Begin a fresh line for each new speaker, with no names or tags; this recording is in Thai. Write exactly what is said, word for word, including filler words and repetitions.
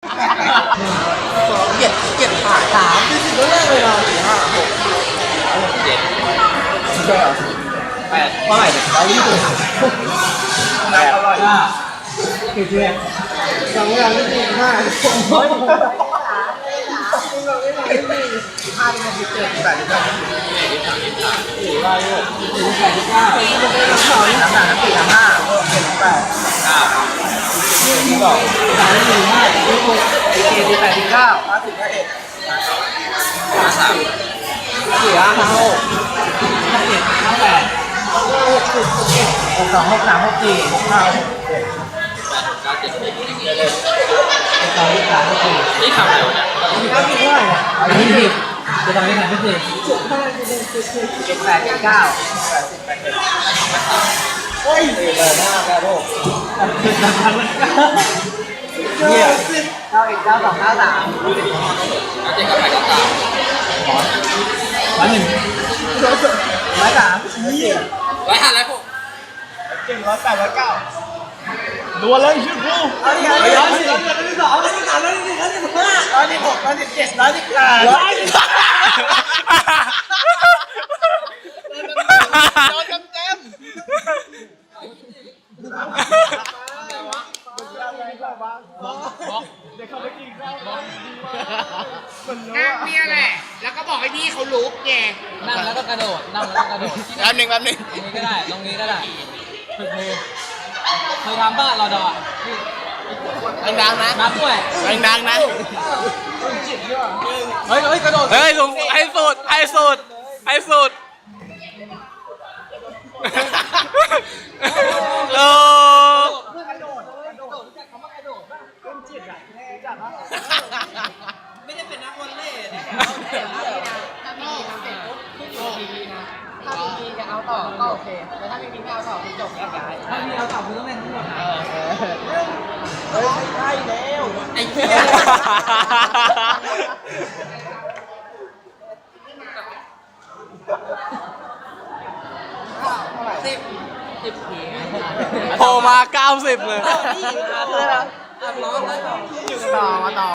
เกียดเกียดขาสามที่สิบก็แรกเลยนะสี่ห้าหกเจ็ดใช่เหรอแปดเท่าไหร่เนี่ยร้อยยี่สิบแปดร้อยห้ากี่เดือนสองอย่างที่สี่ห้าร้อยห้าห้าที่มันสิบเจ็ดแปดสิบเก้าสี่ร้อยหกสี่แปดสิบเก้าสองน้ำหนักน้ำสี่น้ำห้าเจ็ดแปดเก้าที่บอกสามสี่ห้าที่หกสี่เจ็ดแปดสิบเก้าห้าสิบห้าเอ็ดห้าสามสี่ห้าห้าหกห้าเจ็ดห้าแปดหกสิบเอ็ดหกสองหกสามหกสี่หกห้าหกเจ็ดแปดเก้าเจ็ดสิบเอ็ดสองสามหกสี่นี่ทำอะไรวะเนี่ยนี่ทำผิดเท่าไหร่เนี่ยอันนี้ผิดจะทำให้ทำไม่ผิดเจ็ดแปดเจ็ดเก้าแปดสิบแปดเอ็ดโอ้ยเบอร์หน้าแปดหกเนี่ยเก้าเอ็ดเก้าสองเก้าสามเจ็ดเก้าแปดเก้าสามร้อยหนึ่งร้อยสามร้อยห้าร้อยหกเจ็ดร้อยแปดร้อยเก้าดูเลยชื่อครูร้อยสี่ร้อยสี่ร้อยที่สองร้อยที่สามร้อยที่สี่ร้อยที่ห้าร้อยที่หกร้อยที่เจ็ดร้อยที่แปดร้อยที่โดนเต็มเต็ม
นั่งเนี่ยแหละแล้วก็บอกให้พี่เขาลุกไง
นั่งแล้วก็กระโดด นั่งแล้วก็กระโดด
แป๊บหนึ่งแป๊บหนึ่ง
ตรงนี้ก็ได้ ตรงนี้ก็ได้ฝึกมือเคยทำบ้านเราดอ
ดังๆนะ
นับด้วย
ดังๆนะ
เฮ้ยเฮ้ยกระโดด
เฮ้ยสูงให้สุดให้สุดให้สุดโล
ไม่ได้เป็นนักวอลเลย์นะ
ถ้าพี่จะเอาต่อก็โอเคแต่ถ้าพี่ไม่เอาต่อคือจบแยกย้าย
ถ้ามีเราตอบคือต้องเป็นทั้งหมดนะ
เฮ้ยไม่ใช่แล้วไอ้เหี้ย
สิบสิบที
โผล่มาเก้าสิบเลย
ต่อมาต่อ